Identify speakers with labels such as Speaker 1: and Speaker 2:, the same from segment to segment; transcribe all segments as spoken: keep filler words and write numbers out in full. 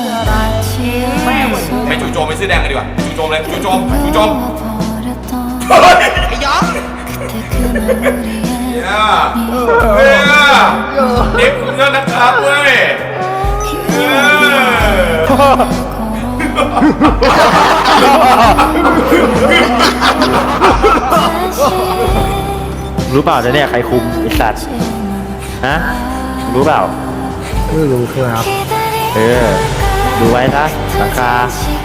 Speaker 1: ไปจู่โจมไปซื้อแดงกันดีกว่าจู่โจมเลยจู่โจมจู่โจมไอ้ยองเนี่ยเนี่ยเด็กคุณก็นะครับเว้ย
Speaker 2: รู้เปล่าจะเนี่ยใครคุมไอ้สัตว์ฮะรู้เปล่าไม่รู้ครับเออดูไว้นะหลังคา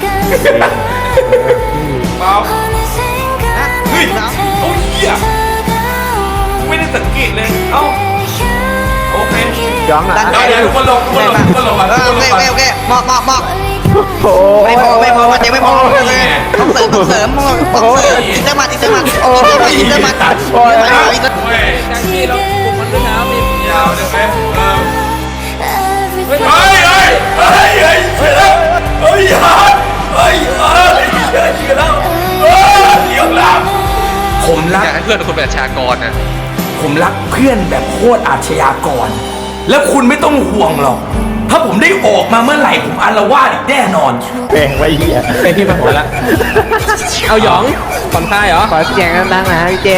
Speaker 1: เปล่าเฮ้ยโอ้ยเหี้ยไม่ได้สังเกตเลยเอ้าโอเคย้องอ่ะเดี๋ยวทุกคนลงทุกคนลงทุกคนลงก่อนทุกคนลงก่อนโอเคเหมาะเหมาะเหมาะไม่พอไม่พอมันยังไม่พอเลยต้องเสริมต้องเสริมต้องเสริมอินเตอร์มาอินเตอร์มาโอ้ยอินเตอร์มาโอ้ยอินเตอร์มาการที่เราปลุกมันด้วยน้ำมียาวเลยไหมเฮ้ยเฮ้ยเฮ้ยเฮ้ยเฮ้ยเฮ้ยยาเฮ้ยเฮ้ยเฮ้ยยิงแล้วเฮ้ยยิงแล้วผมรักเพื่อนคนแบบอาชญากรนะผมรักเพื่อนแบบโคตรอาชญากรแล้วคุณไม่ต้องห่วงหรอกถ้าผมได้ออกมาเมื่อไหร่ผมอาละวาดอีกแน่นอน
Speaker 2: แบ่งไว้เหี้ย
Speaker 3: ไอพี่มาหัวละเอาหยองผ่อนคลายเหรอ
Speaker 2: ขอเสียงดังๆนะพี่เจ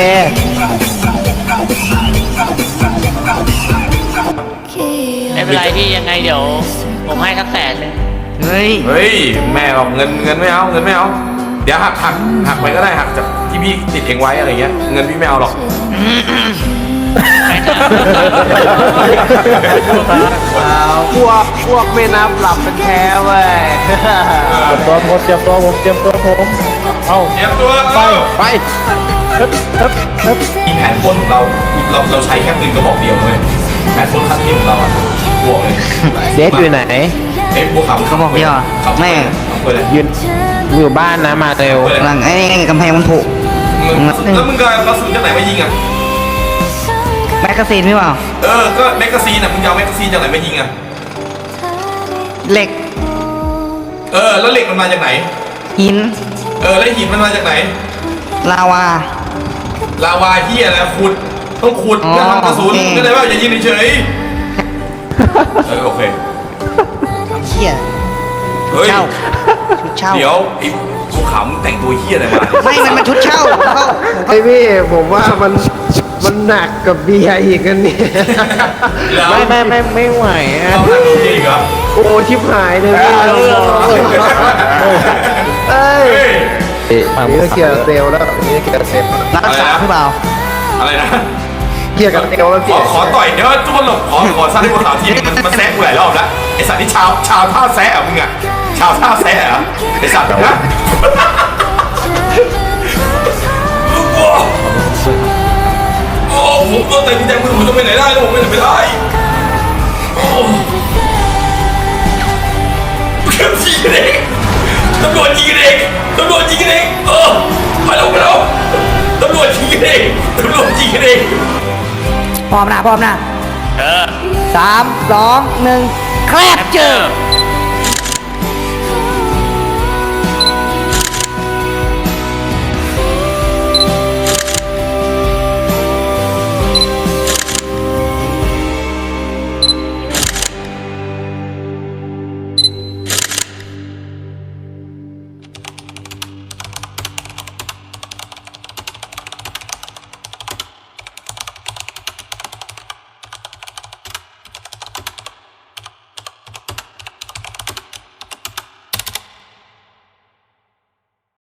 Speaker 4: ไม่เป็นไรพี่ยังไงเดี๋ยวผมให้สักแสนเลย
Speaker 1: เฮ้ยเฮ้ยแม่บอกเงินเงินไม่เอาเงินไม่เอาเดี๋ยวหักหักหักไปก็ได้หักจากที่พี่ติดเองไว้อะไรเงี้ยเงินพี่ไม่เอาหรอก
Speaker 2: พวกพวกไม่นับหลับเป็นแท้เว้ยตัวผมเจ็บตัวผมเจ็บตัวผมเอา
Speaker 1: เจ็บตัว
Speaker 2: ไปไป
Speaker 1: มีแผนปล้นของเราเราเราใช้แค่ปืนกระบอกเดียวเลยแผนปล้นครั้งที่ของเราอ่ะบวกเลย
Speaker 2: เดฟอยู่ไหน
Speaker 1: เอ๊ะบวกเขา
Speaker 5: เขาบอกย่อแม่
Speaker 2: ยืนอยู่บ้านนะมาเร็ว
Speaker 5: หลังไอ้กำแพงมันผุ
Speaker 1: แล้วมึงก็กระสุนจากไหนมายิงอ่ะ
Speaker 5: แมกกาซีนไม่เปล่า
Speaker 1: เออก็แมกกาซีนอ่ะมึงเอาแมกกาซีนจากไหนมายิงอ่ะ
Speaker 5: เหล็ก
Speaker 1: เออแล้วเหล็กมันมาจากไหน
Speaker 5: หิน
Speaker 1: เออแล้วหินมันมาจากไหน
Speaker 5: ลาวา
Speaker 1: ลาวาเหี้ยอะไรขุดต้องขุดเพื่อทำกระสุนก็ได้ว่าอย่ายิงเฉยเออโอเค
Speaker 5: เหี้ย
Speaker 1: เฮ้ย
Speaker 5: ชุดเช่า
Speaker 1: เดี๋ยวไอ้ภูเขาแต่งตัวเหี้ยอะไรมา
Speaker 5: ไม่มันมันชุดเช่า
Speaker 2: ไอ้พี่ผมว่ามันมันหนักกับเบียร์อีกกันเนี่ยไม่ไม่ไม่ไม่ไหวอ่ะ
Speaker 1: เราหนักกับเบียร์อีกเหรอ
Speaker 2: โอ้ชิบหายเลยพี่เอ้ยนี่ก็เกียร์เซลแล้วนี่เกียร์เซล
Speaker 5: รักษาหรือเปล่า
Speaker 1: อะไรนะ
Speaker 2: เกียร์กับเซลแล้ว
Speaker 1: ขอขอต่อยเดี๋ยวทุกคนหลบขอขอสร้างให้พวกเขาทีมันมันแซะกูหลายรอบแล้วไอสัตว์ที่ชาวชาวท่าแซะอ่ะมึงอ่ะชาวท่าแซะอ่ะไอสัตว์นะโอ้ผมก็แต่ที่แจ้งมือผมจะไปไหนได้แล้วผมไม่ไปได้โอ้เก็บยิงกันเองตำรวจยิงกันเองตำรวจยิงกันเองเออไปแล้วไปแล้วตำรวจยิงกันเองตำรวจยิงกันเอง
Speaker 5: พร้อมนะพร้อมนะ
Speaker 4: เออ
Speaker 5: สามสองหนึ่งแคลบเจอ